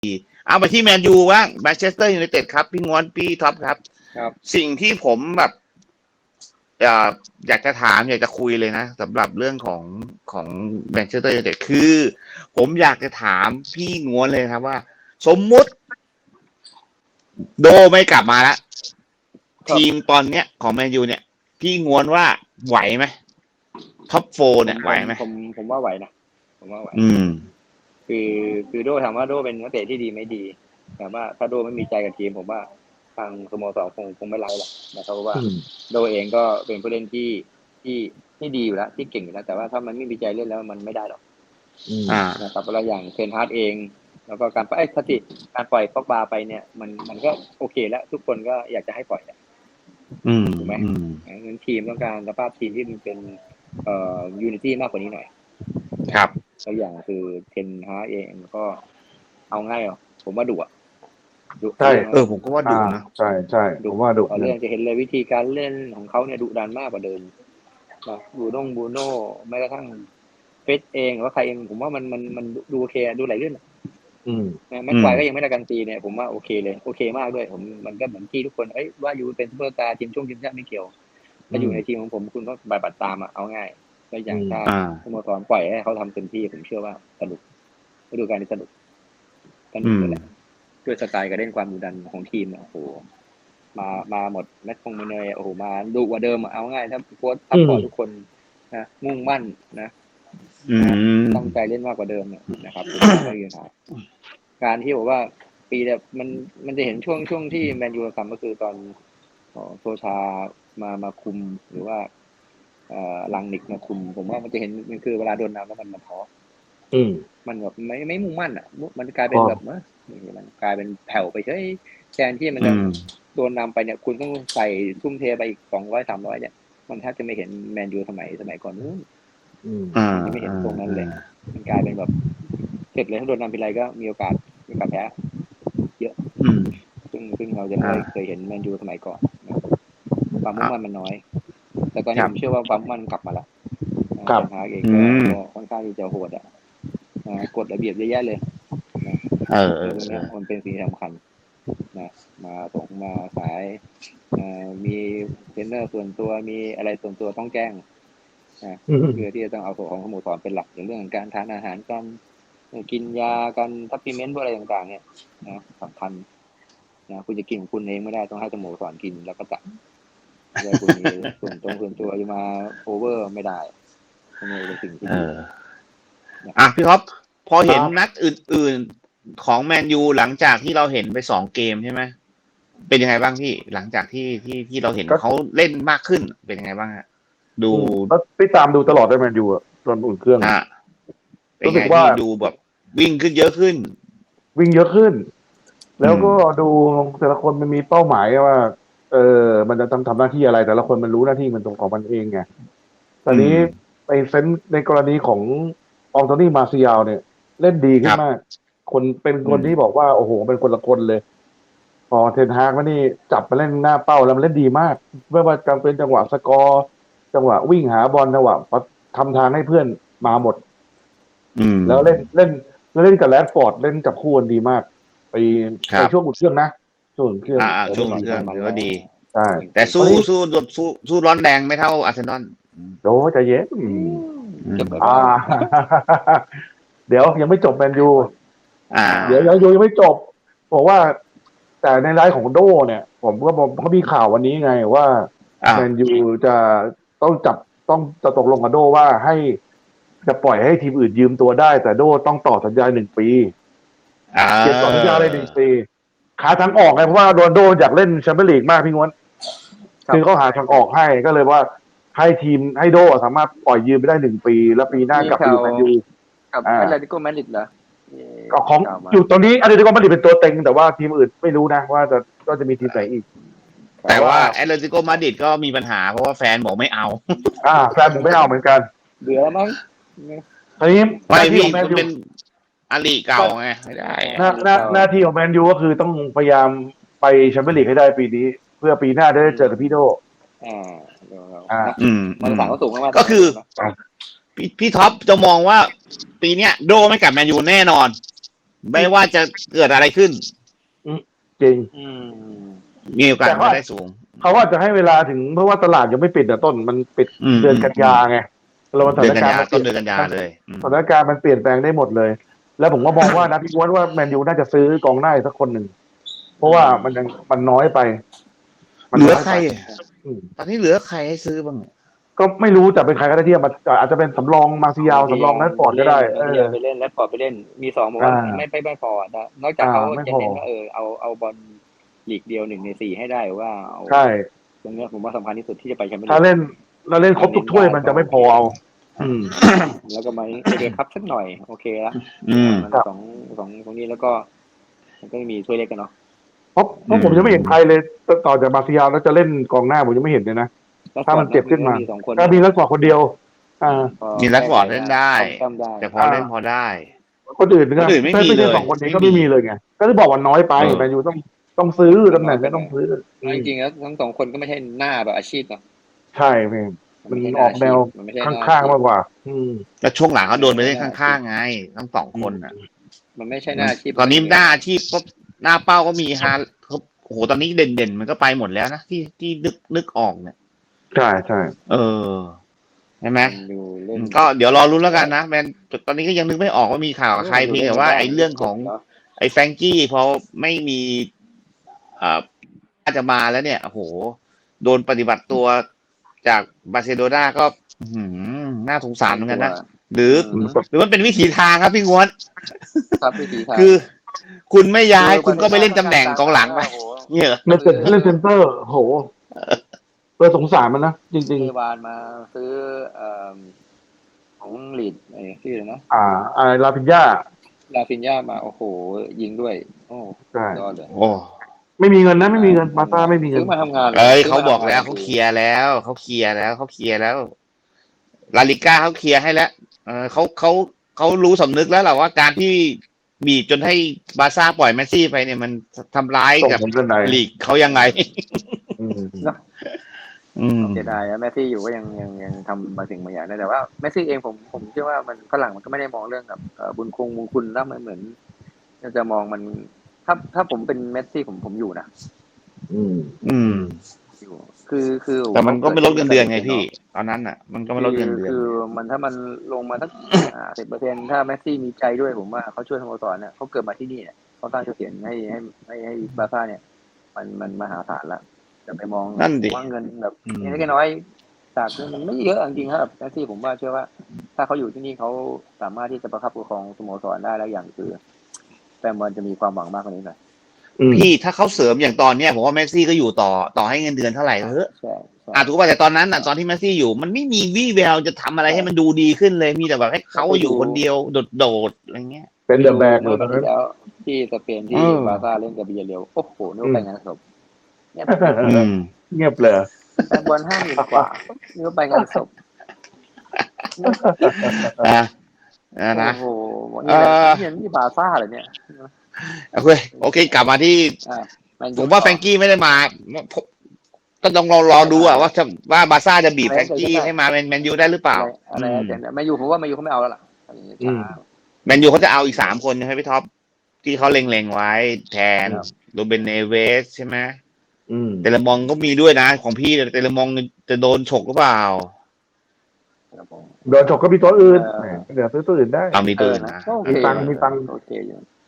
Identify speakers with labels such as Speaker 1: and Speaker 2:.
Speaker 1: เอาไปที่แมนยูบ้างแมนเชสเตอร์ยูไนเต็ดครับพี่ง้วนพี่ท็อปครับสิ่งที่ผมแบบอยากจะถามอยากจะคุยเลยนะสำหรับเรื่องของแมนเชสเตอร์ยูไนเต็ดคือผมอยากจะถามพี่ง้วนเลยครับว่าสมมุติโดไม่กลับมาแล้วทีมตอนเนี้ยของแมนยูเนี่ยพี่ง้วนว่าไหวไหมท็อปโฟเนี่ยไหวไหม
Speaker 2: ผมว่าไหวนะผมว่าไหวคือโดถามว่าโดเป็นนักเตะที่ดีไม่ดีแต่ว่าถ้าโดไม่มีใจกับทีมผมว่าทางสโมสรคงไม่ไล่หรอกนะครับเพราะว่าโดเองก็เป็นผู้เล่นที่ดีอยู่แล้วที่เก่งอยู่แล้วแต่ว่าถ้ามันไม่มีใจเล่นแล้วมันไม่ได้หรอกนะครับแล้วอย่างเทนฮาร์ดเองแล้วก็การการปล่อยป็อกบาไปเนี่ยมันก็โอเคแล้วทุกคนก็อยากจะให้ปล่อยถูกไหมงั้นทีมต้องการสภาพทีมที่มันเป็นยูนิตี้มากกว่านี้หน่อย
Speaker 1: ครับ
Speaker 2: ตัวอย่างคือเทนฮาร์ดเองก็เอาง่ายผมว่าดุ
Speaker 1: ใช่ผมก็ว่าดุนะ
Speaker 3: ใช่ผมว่าดุ
Speaker 2: เรื่องจะเห็นเลยวิธีการเล่นของเขาเนี่ยดุดันมากกว่าเดิมบูโน่แม้กระทั่งเฟสเองหรือว่าใครเองผมว่ามันดูโอเคดูไหลลื่นแม็กไกวก็ยังไม่ได้การตีเนี่ยผมว่าโอเคเลยโอเคมากด้วยมันก็เหมือนที่ทุกคนว่าอยู่เป็นซุปเปอร์สตาร์ทีมชาติไม่เกี่ยวถ้าอยู่ในทีมของผมคุณก็บัตรตามเอาง่ายก็อย่างถ้าสโมสรปล่อยให้เขาทำเต็มที่ผมเชื่อว่าสนุกฤดูกาลนี้สนุกเลยแหละด้วยสไตล์การเล่นความดุดันของทีมโอ้โหมาหมดแมตช์คงมาเนยโอ้โหมาดุกว่าเดิมเอาง่ายถ้าโค้ชซัพพอร์ตทุกคนนะมุ่งมั่นนะตั้งใจเล่นมากกว่าเดิมนะครับไม่มีปัญหาการที่บอกว่าปีแบบมันจะเห็นช่วงที่แมนยูทำก็คือตอนโซชามาคุมหรือว่าลังนิกมาคุมผมว่ามันจะเห็นมันคือเวลาโดนน้ำแล้วมันท้อมันแบบไม่มุ่งมั่นมันกลายเป็นแบบมันกลายเป็นแผ่วไปเฉยแทนที่มันจะโดนนำไปเนี่ยคุณต้องใส่ทุ่มเทไปอีก200-300เนี่ยมันแทบจะไม่เห็นแมนยูสมัยก่อนนู้นไม่เห็นตรงนั้นเลยมันกลายเป็นแบบเสร็จเลยถ้าโดนนำไปไรก็มีโอกาสแพ้เยอะซึ่งเราจะไม่เคยเห็นแมนยูสมัยก่อนความมุ่งมั่นมันน้อยแต่ตอนนี้ผมเชื่อว่าความมุ่งมั่นกลับมาแล้วทางเองก็ค่อนข้างที่จะโหดกฎระเบียบเยอะแยะเลยมันเป็นสิ่งสำคัญมาส่งมาสายมีเทรนเนอร์ส่วนตัวมีอะไรส่วนตัวต้องแจ้งเพื่อที่จะต้องเอาตัวของสโมสรเป็นหลักในเรื่องการทานอาหารการกินยาการซัพพลีเมนต์อะไรต่างๆเนี่ยสำคัญคุณจะกินของคุณเองไม่ได้ต้องให้สโมสรกินแล้วก็จัดคุณมีส่วนตัวจะมาโอเวอร์ไม่ได้นี่เป็นสิ่งที่
Speaker 1: พี่ท็อปพอเห็นนัดอื่นๆของแมนยูหลังจากที่เราเห็นไป2 เกมใช่ไหมเป็นยังไงบ้างพี่หลังจากที่เราเห็นเขาเล่นมากขึ้นเป็นยังไงบ้างฮะดู
Speaker 3: ไปตามดูตลอดได้แมนยูตอนอุ่นเครื่อง
Speaker 1: รู้สึกว่าดูแบบวิ่งขึ้นเยอะขึ้น
Speaker 3: แล้วก็ดูแต่ละคนมันมีเป้าหมายว่ามันจะทำหน้าที่อะไรแต่ละคนมันรู้หน้าที่มันตรงของมันเองไงตอนนี้ในกรณีของอองโตนี่มาร์เซียลเนี่ยเล่นดีขึ้นมากคนที่บอกว่าโอ้โหเป็นคนละคนเลยพอเทนฮากมานี่จับมาเล่นหน้าเป้าแล้วมันเล่นดีมากไม่ว่าจะเป็นจังหวะสกอร์จังหวะวิ่งหาบอลจังหวะทำทางให้เพื่อนมาหมดแล้วเล่นกับแรดฟอร์ดเล่นกับคู่กันดีมไปช่วงอุ่นเครื่องนะช่วงอุ่นเครื่อง
Speaker 1: ถือว่าดี
Speaker 3: ใช่
Speaker 1: แต่สู้ร้อนแรงไม่เท่าอาร์เซนอล
Speaker 3: โอ้ใจเย็นเดี๋ยวยังไม่จบแมนยูเดี๋ยวยังไม่จบบอกว่าแต่ในไลฟ์ของโดเนี่ยผมก็มีข่าววันนี้ไงว่าแมนยูจะตกลงกับโดว่าจะปล่อยให้ทีมอื่นยืมตัวได้แต่โดต้องต่อสัญญา1 ปีเก็บต่อสัญญาเลย1 ปีขาทางออกไงเพราะว่าโดอยากเล่นแชมเปี้ยนลีกมากพี่ง้วนคือเขาหาทางออกให้ก็เลยว่าให้โดสามารถปล่อยยืมไปได้1 ปีแล้วปีหน้ากลับไปอยู่แมนยู
Speaker 2: กับอะไรที่โกแมนดิดเหรอ
Speaker 3: ของอยู่ตอนนี้อะไรที่โกแมนดิดเป็นตัวเต็งแต่ว่าทีมอื่นไม่รู้นะว่าจะมีทีมไหนอีก
Speaker 1: แต่ว่าแอตเลติโกมาดริดก็มีปัญหาเพราะว่าแฟนบอกไม่เอา
Speaker 3: แฟนผมไม่เอาเหมือนกัน
Speaker 2: เบื่อมั้ง
Speaker 3: ทีนี้
Speaker 1: ไม่พี่มันเป็นอาลีเก่าไงไม่ได้
Speaker 3: หน้าที่ของแมนยูก็คือต้องพยายามไปแชมเปี้ยนลีกให้ได้ปีนี้เพื่อปีหน้าได้เจอกับพี่โด
Speaker 2: มันสั่งก็สูงมาก
Speaker 1: ก็คือพี่ท็อปจะมองว่าปีเนี้ยโดไม่กลับแมนยูแน่นอนไม่ว่าจะเกิดอะไรขึ้น
Speaker 3: จริง
Speaker 1: มีโอกาส
Speaker 3: แต่ว่า
Speaker 1: มาได้สูง
Speaker 3: เขาว่าจะให้เวลาถึงเพราะว่าตลาดยังไม่ปิดต้นมันปิด เดือนกันยาไงเราสถา
Speaker 1: เดือน
Speaker 3: น
Speaker 1: กัน
Speaker 3: การ
Speaker 1: ยา
Speaker 3: ณ์
Speaker 1: ต้นเดือนกันยาเลย
Speaker 3: สถานการณ์มันเปลี่ยนแปลงได้หมดเลย แล้วผมก็มองว่านะพี่ม้วนว่าแมนยูน่าจะซื้อกองหน้าอีกสักคนหนึ่งเพราะว่ามันน้อยไป
Speaker 1: เหลือใคร
Speaker 3: อืม
Speaker 1: ตอนนี้เหลือใครให้ซื้อบ้าง
Speaker 3: ก็ไม่รู้จะเป็นใครก็ได้ที่มาอาจจะเป็นสำรองมาซิยาวสำรองนัดฟอร์ดก็ได้
Speaker 2: ไปเล่นแรดฟอร์ดไปเล่นมี2บอกว่าไม่พอนะนอกจากเขา
Speaker 3: ไม่
Speaker 2: จะ
Speaker 3: พอ
Speaker 2: เน้นว่าเอาบอลลีกเดียว1 ใน 4ให้ได้ว่าเอา
Speaker 3: ใช่
Speaker 2: ตรงเนี้ยผมว่าสำคัญที่สุดที่จะไปแชมเปี้ยน
Speaker 3: ถ้า
Speaker 2: ลีก
Speaker 3: เล่นเราเล่นครบทุกถ้วยมันจะไม่พอเอา
Speaker 2: แล้วก็มาเอเดคัพสักหน่อยโอเคละ มัน
Speaker 3: ครับ
Speaker 2: สองนี้แล้วก็มันก็มีถ้วยเล็กกันเนาะ
Speaker 3: เพราะผมยังไม่เห็นใครเลยต่อจากมาซิยาวแล้วจะเล่นกองหน้าผมยังไม่เห็นเลยนะ ถ้ามันเจ็บขึ้นมา
Speaker 2: สองคน
Speaker 3: ก็มีลักฟอร์ดคนเดียว
Speaker 1: มีแรดฟอร์ดเล่นได้ แต่พอเล่นพอได้
Speaker 3: คนอื่นก็
Speaker 1: คนอื่นไม่มี
Speaker 3: ใช่
Speaker 1: เลย
Speaker 3: 2 คนนี้ก็ไม่มีเลยไงก็เลยบอกว่าน้อยไปแมนยูต้องซื้อตำแหน่งไม่ต้องซื้อ
Speaker 2: จริงๆแล้วทั้ง2 คนก็ไม่ใช่หน้าแบบอาชีพเนาะ
Speaker 3: ใช่เองมันออกแนวข้างๆมากกว่า
Speaker 1: แล้วช่วงหลังเขาโดนไปเล่นข้างๆไงทั้งสองคนอ่ะ
Speaker 2: มันไม่ใช่หน้าอาชีพ
Speaker 1: ตอนนี้หน้าอาชีพก็หน้าเป้าก็มีฮาโอ้โหตอนนี้เด่นๆมันก็ไปหมดแล้วนะที่นึกออกเนี่ย
Speaker 3: ใช่ใช่
Speaker 1: ใช่ไหม
Speaker 2: ดูเล่น
Speaker 1: ก็เดี๋ยวรอรุ้นแล้วกันนะแมนตอนนี้ก็ยังนึกไม่ออกว่ามีข่าวกับใครเพียงแต่ว่าไอ้เรื่องของไอ้แฟรงกี้พอไม่มีอาจจะมาแล้วเนี่ยโอ้โหโดนปฏิบัติตัวจากบาร์เซโลนาก็น่าสงสารเหมือนกันนะหรือมันเป็นวิถีทางครับพี่งวน
Speaker 2: ครับวิธีทาง
Speaker 1: คือ คุณไม่ย้ายคุณก็ไปเล่นตำแหน่งกองหลังไปเนี่ย
Speaker 3: เล่นเซนเตอร์โหสงสารมันนะจริง
Speaker 2: ซื้อบานมาซื้อของลีดชื่ออะไรนะ
Speaker 3: ลาพิญญา
Speaker 2: ลาฟินยามาโอ้โหยิงด้วยโอ้
Speaker 3: ใช่
Speaker 2: ยอดเลย
Speaker 1: โอ้
Speaker 3: ไม่มีเงินนะไม่มีเงินมาซ่าไม่มีเงิ
Speaker 2: ซื้
Speaker 3: น
Speaker 2: อมาทำงาน
Speaker 1: เขาบอกแล้วเขาเคลียร์แล้วลาลิก้าเขาเคลียร์ให้แล้วเขารู้สำนึกแล้วแหละว่าการที่บีบจนให้บาร์ซ่าปล่อยเมสซี่ไปเนี่ยมันทำร้ายกับลีกเขายังไง
Speaker 2: เสียดายนะแมสซี่อยู่ก็ยังทำบางสิ่งบางอย่างได้แต่ว่าแมสซี่เองผมเชื่อว่ามันฝรั่งมันก็ไม่ได้มองเรื่องกับบุญคุณแล้วมันเหมือนจะมองมันถ้าผมเป็นแมสซี่ผมอยู่นะอยู่คือ
Speaker 1: แต่มันก็ไม่ลดเงินเดือนไงพี่ตอนนั้นอ่ะมันก็ไม่ลดเงินเดือน
Speaker 2: คือมันถ้ามันลงมาสัก10%ถ้าแมสซี่มีใจด้วยผมว่าเขาช่วยสโมสรเนี่ยเขาเกิดมาที่นี่เนี่ยเขาสร้างชื่อเสียงให้บาร์ซ่าเนี่ยมันมหาศาลละจะไปมองว่าเงินแบบเล็กน้อยจากมันไม่เยอะจริงๆครับแมสซี่ผมว่าเชื่อว่าถ้าเขาอยู่ที่นี่เขาสามารถที่จะประคับประคองสโมสรได้แล้วอย่างคือแต่มันจะมีความหวังมากกว่านี้หน่อย
Speaker 1: พี่ถ้าเขาเสริมอย่างตอนเนี้ยผมว่าเมสซี่ก็อยู่ต่อให้เงินเดือนเท่าไหร่เถอะถูกป่ะแต่ตอนนั้นตอนที่เมสซี่อยู่มันไม่มีวี่แววจะทำอะไรให้มันดูดีขึ้นเลยมีแต่แบบให้เขาอยู่คนเดียวโดดอะไรเงี้ย
Speaker 3: เป็นเดอะแบกเลยตอนนั้น
Speaker 2: แล้วที่สเปนที่บาร์ซ่าเล่นกับบิเยเรลโอ้โหนี่ไปงานศพ
Speaker 3: เงียบเลย
Speaker 2: แฟนบอล50,000 กว่านี่ไปงานศพ
Speaker 1: นะ
Speaker 2: โอ้โหนี่บาร์ซ่าเลยเนี่ย
Speaker 1: โอเคกลับมาที่ผมว่าแฟรงกี้ไม่ได้มาก็ต้องรอดูว่าบาร์ซ่าจะบีบแฟรงกี้ให้มาแมนยูได้หรือเปล่า
Speaker 2: อะไรแต่แมนยูผมว่าแมนยูเขาไม่เอาแล้วล่ะ
Speaker 1: แมนยูเขาจะเอาอีก3 คนใช่ไหมพี่ท็อปที่เขาเล็งไว้แทนโรเบนเนเวสใช่ไหมเตเลมองก็มีด้วยนะของพี่เตเลมองจะโดนฉกหรือเปล่า
Speaker 3: โดนฉกก็มีตัวอื่นเดี๋ยวซื้อตัวอื่นได้
Speaker 1: มีตัวอื่นนะ
Speaker 3: มีตังโอเค